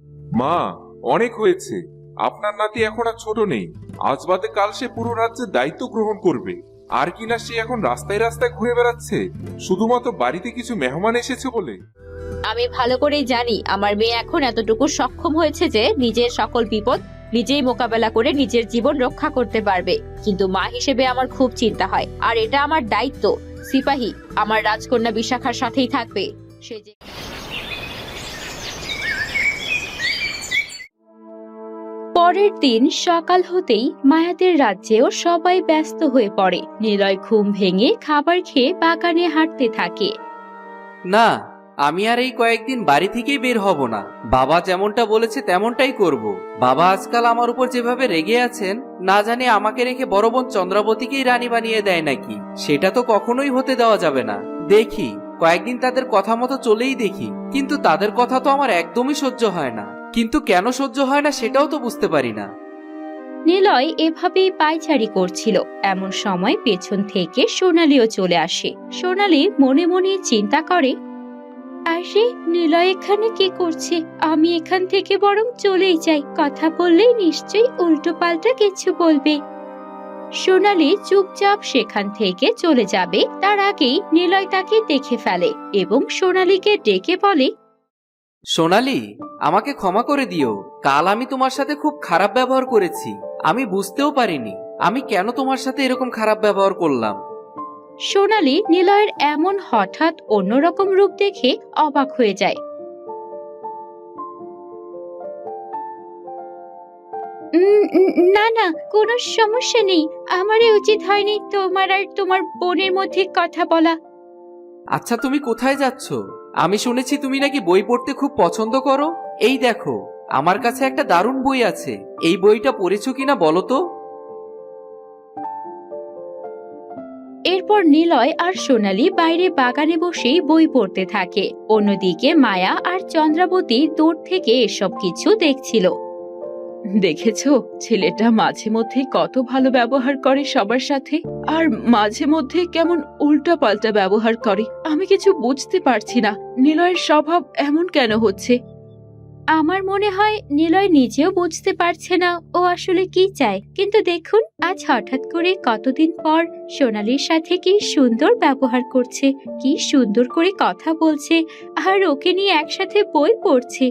মা, অনেক হয়েছে। আপনার নাতি এখন আর ছোট নেই। আজ বাদে কাল সে পুরো রাজ্যের দায়িত্ব গ্রহণ করবে। আর কিনা সে এখন রাস্তায় রাস্তায় ঘুরে বেড়াচ্ছে শুধুমাত্র বাড়িতে কিছু মেহমান এসেছে বলে। আমি ভালো করেই জানি আমার মেয়ে এখন এতটুকু সক্ষম হয়েছে যে নিজের সকল বিপদ নিজেই মোকাবেলা করে নিজের জীবন রক্ষা করতে পারবে। কিন্তু মা হিসেবে আমার খুব চিন্তা হয়, আর এটা আমার দায়িত্ব। সিপাহী, আমার রাজকন্যা বিশাখার সাথেই থাকবে। সে যে পরের দিন সকাল হতেই মায়াদের রাজ্যেও সবাই ব্যস্ত হয়ে পড়ে। নিলয় ঘুম ভেঙে খাবার খেয়ে বাগানে হাঁটতে থাকে। না, আমি আর এই কয়েকদিন বাড়ি থেকেই বের হব না। বাবা যেমনটা বলেছে তেমনটাই করব। বাবা আজকাল আমার উপর যেভাবে রেগে আছেন, না জানি আমাকে রেখে বড় বোন চন্দ্রাবতীকেই রানী বানিয়ে দেয় নাকি। সেটা তো কখনোই হতে দেওয়া যাবে না। দেখি কয়েকদিন তাদের কথা মতো চলেই দেখি, কিন্তু তাদের কথা তো আমার একদমই সহ্য হয় না। কিন্তু কেন সহ্য হয় না সেটাও তো বুঝতে পারি না। নিলয় এভাবেই পায়চারি করছিল। এমন সময় পেছন থেকে সোনালীও চলে আসে। সোনালী মনে মনে চিন্তা করে, আরে নিলয় এখানে কি করছে? আমি এখান থেকে বরং চলেই যাই। কথা বললেই নিশ্চয়ই উল্টো পাল্টা কিছু বলবে। সোনালী চুপচাপ সেখান থেকে চলে যাবে, তার আগেই নিলয় তাকে দেখে ফেলে এবং সোনালীকে ডেকে বলে, সোনালি, আমাকে ক্ষমা করে দিও। কাল আমি তোমার সাথে খুব খারাপ ব্যবহার করেছি। আমি বুঝতেও পারিনি আমি কেন তোমার সাথে এরকম খারাপ ব্যবহার করলাম। সোনালী নিলয়ের এমন হঠাৎ অন্যরকম রূপ দেখে অবাক হয়ে যায়। না না, কোনো সমস্যা নেই। আমারই উচিত হয়নি তোমার আর তোমার বোনের মধ্যে কথা বলা। আচ্ছা, তুমি কোথায় যাচ্ছ? আমি শুনেছি তুমি নাকি বই পড়তে খুব পছন্দ করো। এই দেখো, আমার কাছে একটা দারুণ বই আছে। এই বইটা পড়েছো কিনা বলো তো। এরপর নিলয় আর সোনালী বাইরে বাগানে বসেই বই পড়তে থাকে। অন্যদিকে মায়া আর চন্দ্রাবতী দূর থেকে এসব কিছু দেখছিল। দেখেছো, ছেলেটা মাঝে মধ্যে কত ভালো ব্যবহার করে সবার সাথে, আর মাঝে মধ্যে কেমন উল্টা পাল্টা ব্যবহার করে। আমি কিছু বুঝতে পারছি না, নিলয়ের স্বভাব এমন কেন হচ্ছে। আমার মনে হয় নিলয় নিজেও বুঝতে পারছে না ও আসলে কি চায়। কিন্তু দেখুন, আজ হঠাৎ করে কতদিন পর সোনালীর সাথে কি সুন্দর ব্যবহার করছে, কি সুন্দর করে কথা বলছে, আর ওকে নিয়ে একসাথে বই পড়ছে।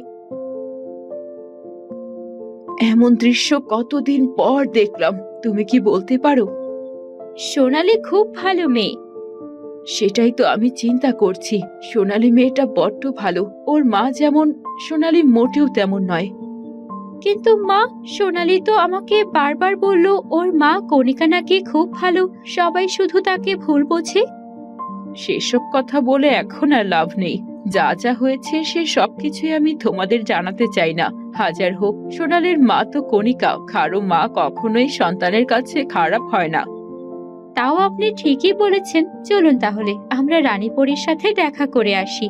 এমন দৃশ্য কতদিন পর দেখলাম। তুমি কি বলতে পারো? সোনালী খুব ভালো মেয়ে। সেটাই তো আমি চিন্তা করছি। সোনালী মেয়েটা বড্ড ভালো। ওর মা যেমন, সোনালী মোটেও তেমন নয়। কিন্তু মা, সোনালী তো আমাকে বারবার বলল ওর মা কণিকা নাকি খুব ভালো, সবাই শুধু তাকে ভুল বোঝে। সেসব কথা বলে এখন আর লাভ নেই। যা যা হয়েছে সে সবকিছুই আমি তোমাদের জানাতে চাই না। হাজার হোক, সোনালীর মা তো কণিকা। কারো মা কখনোই সন্তানের কাছে খারাপ হয় না। তাও আপনি ঠিকই বলেছেন। চলুন তাহলে আমরা রানীপরীর সাথে দেখা করে আসি।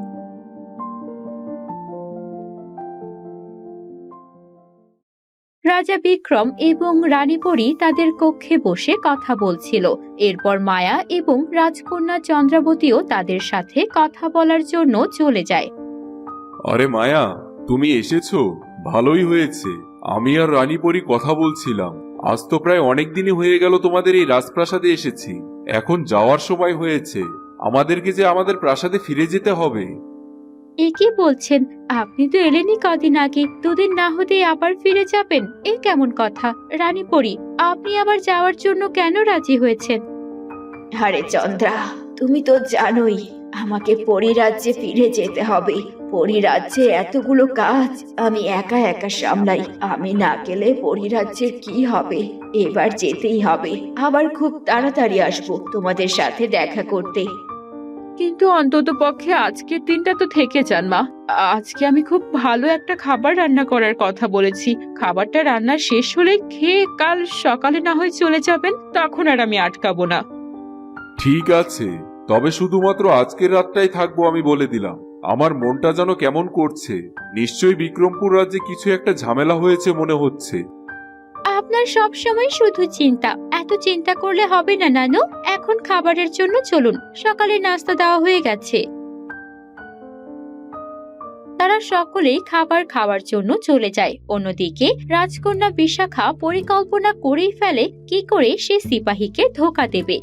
রাজা বিক্রম এবং রানীপরী তাদের কক্ষে বসে কথা বলছিল। এরপর মায়া এবং রাজকন্যা চন্দ্রাবতীও তাদের সাথে কথা বলার জন্য চলে যায়। আরে মায়া, তুমি এসেছো, ভালোই হয়েছে। আমি আর রানীপরি কথা বলছিলাম। আজ তো প্রায় অনেক দিনই হয়ে গেল তোমাদের এই রাজপ্রাসাদে এসেছি। এখন যাওয়ার সময় হয়েছে। আমাদেরকে যে আমাদের প্রাসাদে ফিরে যেতে হবে। এ কি বলছেন? আপনি তো এলেনই কদিন আগে, দুদিন না হতেই আবার ফিরে যাবেন? এ কেমন কথা? রানীপরী, আপনি আবার যাওয়ার জন্য কেন রাজি হয়েছেন? আরে চন্দ্রা, তুমি তো জানোই আমাকে পরিরাজ্যে ফিরে যেতে হবে। পরিরাজ্যে এতগুলো কাজ আমি একা একা সামলাই। আমি না গেলে পরিরাজ্যের কি হবে? এবার যেতেই হবে। আবার খুব তাড়াতাড়ি আসবো তোমাদের সাথে দেখা করতে। কিন্তু অন্তত পক্ষে আজকের দিনটা তো থেকে যান মা। আজকে আমি খুব ভালো একটা খাবার রান্না করার কথা বলেছি। খাবারটা রান্না শেষ হলে খেয়ে কাল সকালে না হয় চলে যাবেন, তখন আর আমি আটকাবো না। ঠিক আছে, তবে শুধুমাত্র আজকের রাতটাই থাকবো আমি বলে দিলাম। আমার মনটা যেন কেমন করছে। নিশ্চয়ই বিক্রমপুর রাজ্যে কিছু একটা ঝামেলা হয়েছে মনে হচ্ছে। আপনার সব সময় শুধু চিন্তা। এত চিন্তা করলে হবে না নানু। এখন খাবারের জন্য চলুন, সকালে নাস্তা দেওয়া হয়ে গেছে। তারা তারা সকলেই খাবার খাওয়ার জন্য চলে যায়। অন্যদিকে রাজকন্যা বিশাখা পরিকল্পনা করেই ফেলে কি করে সে সিপাহীকে ধোঁকা দেবে।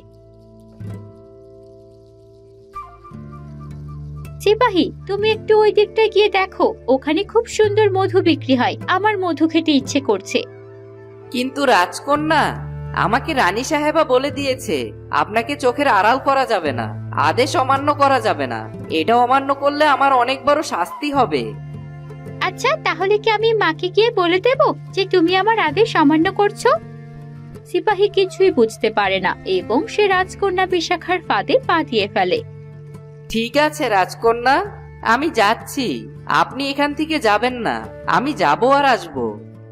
সিপাহী, তুমি একটু ওই দিকটায় গিয়ে দেখো, ওখানে খুব সুন্দর মধু বিক্রি হয়, আমার মধু খেতে ইচ্ছে করছে। কিন্তু রাজকন্যা, আমাকে রানী সাহেবা বলে দিয়েছে আপনাকে চোখের আড়াল করা যাবে না, আদেশ অমান্য করা যাবে না। এটা অমান্য করলে আমার অনেক বড় শাস্তি হবে। আচ্ছা, তাহলে কি আমি মাকে গিয়ে বলে দেব যে তুমি আমার আদেশ অমান্য করছো? সিপাহী কিছুই বুঝতে পারে না এবং সে রাজকন্যা বিশাখার ফাঁদে পা দিয়ে ফেলে। ঠিক আছে রাজকন্যা, আমি যাচ্ছি, আপনি এখান থেকে যাবেন না, আমি যাব আর আসবো।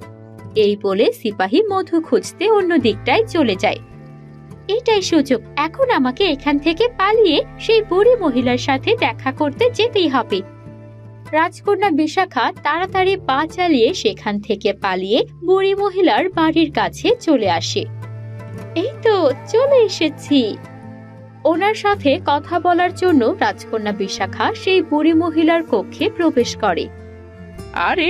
এই বলে সিপাহী মধু খুঁজতে অন্য দিকটায় চলে যায়। এটাই সুযোগ, এখন আমাকে এখান থেকে পালিয়ে সেই বুড়ি মহিলার সাথে দেখা করতে যেতেই হবে। রাজকন্যা বিশাখা তাড়াতাড়ি পা চালিয়ে সেখান থেকে পালিয়ে বুড়ি মহিলার বাড়ির কাছে চলে আসে। এই তো চলে এসেছি। ওনার সাথে কথা বলার জন্য রাজকন্যা বিশাখা সেই বুড়ি মহিলার কক্ষে প্রবেশ করে। আরে,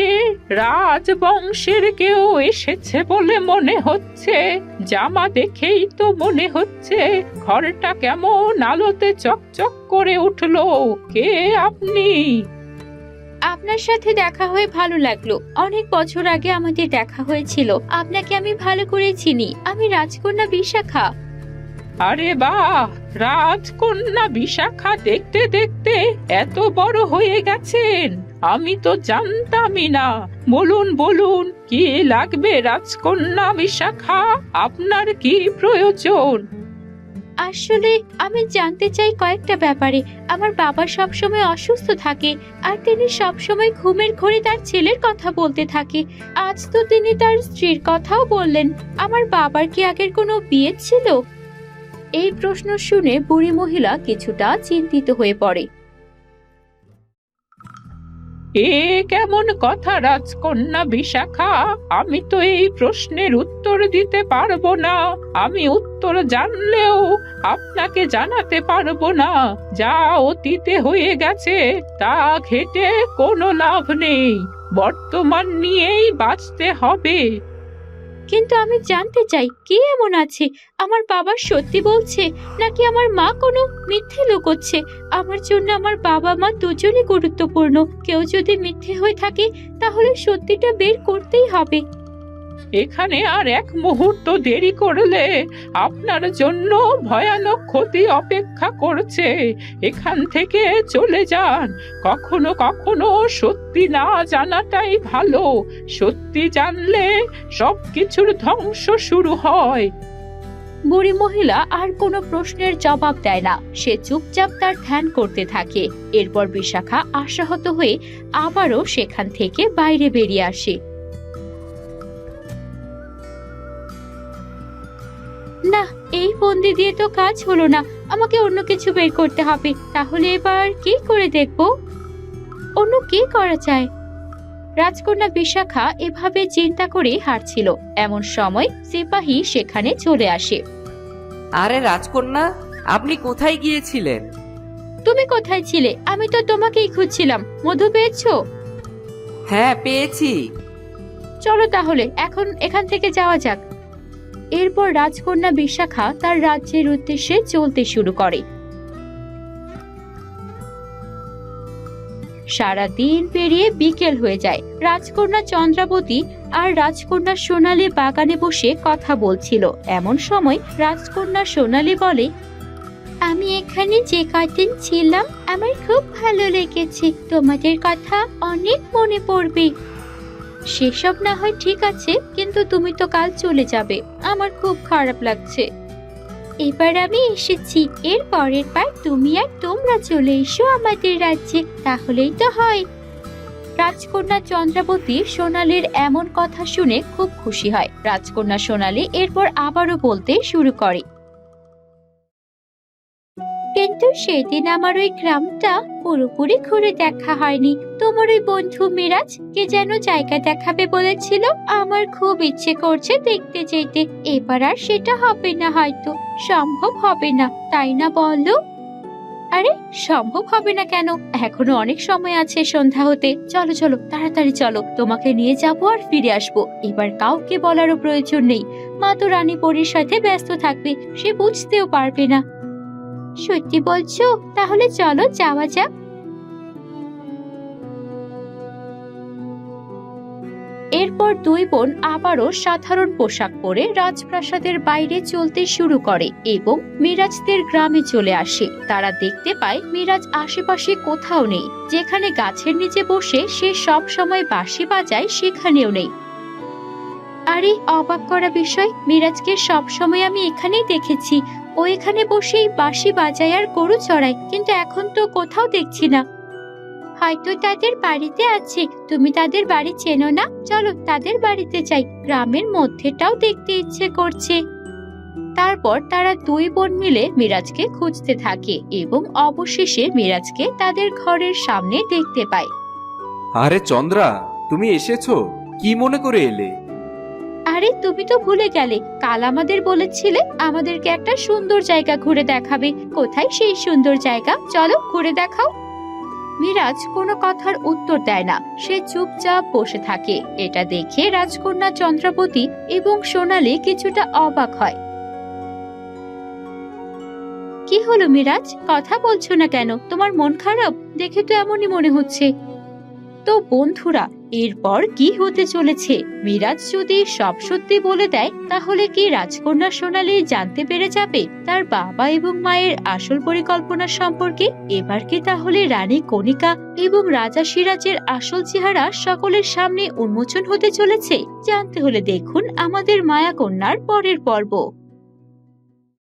রাজবংশের কেউ এসেছে বলে মনে হচ্ছে, জামা দেখেই তো মনে হচ্ছে। ঘরটা কেমন আলোতে চকচক করে উঠলো, কে আপনি? আপনার সাথে দেখা হয়ে ভালো লাগলো। অনেক বছর আগে আমাদের দেখা হয়েছিল, আপনাকে আমি ভালো করে চিনি। আমি রাজকন্যা বিশাখা। আরে বাহ, রাজকন্যা বিশাখা দেখতে দেখতে এত বড় হয়ে গেছেন, আমি তো জানতামই না। বলুন বলুন, কি লাগবে রাজকন্যা বিশাখা? আপনার কি প্রয়োজন? আসলে আমি জানতে চাই কয়েকটা ব্যাপারে। আমার বাবা সবসময় অসুস্থ থাকে আর তিনি সবসময় ঘুমের ঘোরে তার ছেলের কথা বলতে থাকে। আজ তো তিনি তার স্ত্রীর কথাও বললেন। আমার বাবার কি আগের কোনো বিয়ে ছিল? এই প্রশ্ন শুনে বুড়ি মহিলা কিছুটা চিন্তিত হয়ে পড়ে। এ কেমন কথা রাজকন্যা বিশাখা? আমি তো এই প্রশ্নের উত্তর দিতে পারবো না। আমি উত্তর জানলেও আপনাকে জানাতে পারবো না। যা অতীতে হয়ে গেছে তা ঘেঁটে কোনো লাভ নেই, বর্তমান নিয়েই বাঁচতে হবে। কিন্তু আমি জানতে চাই, কে এমন আছে? আমার বাবা সত্যি বলছে নাকি আমার মা কোনো মিথ্যে লুকোচ্ছে? আমার জন্য আমার বাবা মা দুজনই গুরুত্বপূর্ণ। কেউ যদি মিথ্যে হয়ে থাকে তাহলে সত্যিটা বের করতেই হবে। এখানে আর এক মুহূর্ত দেরি করলে আপনার জন্য ভয়ানক ক্ষতি অপেক্ষা করছে। এখান থেকে চলে যান। কখনো কখনো সত্যি না জানাটাই ভালো। সত্যি জানলে সবকিছুর ধ্বংস শুরু হয়। বুড়ি মহিলা আর কোনো প্রশ্নের জবাব দেয় না। সে চুপচাপ তার ধ্যান করতে থাকে। এরপর বিশাখা আশাহত হয়ে আবারও সেখান থেকে বাইরে বেরিয়ে আসে। না, এই বন্দি দিয়ে তো কাজ হলো না। আমাকে অন্য কিছু বের করতে হবে। তাহলে এবার কি করে দেখব? অন্য কি করা যায়? রাজকন্যা বিশাখা এভাবে চিন্তা করে হাঁটছিল। এমন সময় সিপাহী সেখানে চলে আসে। আরে রাজকন্যা, আপনি কোথায় গিয়েছিলেন? তুমি কোথায় ছিলে? আমি তো তোমাকেই খুঁজছিলাম। মধু পেয়েছো? হ্যাঁ, পেয়েছি। চলো তাহলে এখন এখান থেকে যাওয়া যাক। এরপর রাজকন্যা বিশাখা তার রাজ্যের উদ্দেশ্যে চলতে শুরু করে। সারা দিন পেরিয়ে বিকেল হয়ে যায়। রাজকন্যা চন্দ্রাবতী আর রাজকন্যা সোনালী বাগানে বসে কথা বলছিল। এমন সময় রাজকন্যা সোনালী বলে, আমি এখানে যে কদিন ছিলাম আমার খুব ভালো লেগেছে। তোমাদের কথা অনেক মনে পড়বে। সেসব না হয় ঠিক আছে, কিন্তু তুমি তো কাল চলে যাবে। আমার খুব খারাপ লাগছে। এবার আমি এসেছি, এর পরের বার তুমি আর তোমরা চলে এসো আমাদের রাজ্যে, তাহলেই তো হয়। রাজকন্যা চন্দ্রাবতী সোনালীর এমন কথা শুনে খুব খুশি হয়। রাজকন্যা সোনালী এরপর আবারও বলতে শুরু করে, কিন্তু সেদিন আমার ওই গ্রামটা পুরোপুরি ঘুরে দেখা হয়নি। তোমার ওই বন্ধু মিরাজ কে যেন জায়গা দেখাবে বলেছিল। আমার খুব ইচ্ছে করছে দেখতে যেতে। এবার আর সেটা হবে না, হয়তো সম্ভব হবে না, তাই না বলো? আরে সম্ভব হবে না কেন, এখনো অনেক সময় আছে সন্ধ্যা হতে। চলো চলো তাড়াতাড়ি চলো, তোমাকে নিয়ে যাবো আর ফিরে আসবো। এবার কাউকে বলারও প্রয়োজন নেই, মা তো রানী পরীর সাথে ব্যস্ত থাকবে, সে বুঝতেও পারবে না। সত্যি বলছো? তাহলে চলো যাওয়া যাক। এরপর দুই বোন আবারও সাধারণ পোশাক পরে রাজপ্রাসাদের বাইরে চলতে শুরু করে এবং মিরাজদের গ্রামে চলে আসে। তারা দেখতে পায় মিরাজ আশেপাশে কোথাও নেই। যেখানে গাছের নিচে বসে সে সব সময় বাঁশি বাজায় সেখানেও নেই। আরে অবাক করা বিষয়, মিরাজকে সব সময় আমি এখানেই দেখেছি। ও এখানে বসেই বাঁশি বাজায় আর গরু চড়ায়, কিন্তু এখন তো কোথাও দেখছি না। হয়তো তাদের বাড়িতে আছে, তুমি তাদের বাড়ি চেনো না? চলো তাদের বাড়িতে যাই, গ্রামের মধ্যেটাও দেখতে ইচ্ছে করছে। তারপর তারা দুই বোন মিলে মিরাজকে খুঁজতে থাকে এবং অবশেষে মিরাজকে তাদের ঘরের সামনে দেখতে পায়। আরে চন্দ্রা, তুমি এসেছো? কি মনে করে এলে? আরে তুমি তো ভুলে গেলে, কাল আমাদের বলেছিলে আমাদেরকে একটা সুন্দর জায়গা ঘুরে দেখাবে। কোথায় সেই সুন্দর জায়গা? চলো ঘুরে দেখাও। মিরাজ কোনো কথার উত্তর দেয় না, সে চুপচাপ বসে থাকে। এটা দেখে রাজকন্যা চন্দ্রাবতী এবং সোনালী কিছুটা অবাক হয়। কি হলো মিরাজ, কথা বলছো না কেন? তোমার মন খারাপ দেখে তো এমনই মনে হচ্ছে। তো বন্ধুরা, এরপর কি হতে চলেছে? মিরাজ যদি সব সত্যি বলে দেয় তাহলে কি রাজকন্যা সোনালী জানতে পেরে যাবে তার বাবা এবং মায়ের আসল পরিকল্পনা সম্পর্কে? এবার কি তাহলে রানী কণিকা এবং রাজা সিরাজের আসল চেহারা সকলের সামনে উন্মোচন হতে চলেছে? জানতে হলে দেখুন আমাদের মায়া কন্যার পরের পর্ব।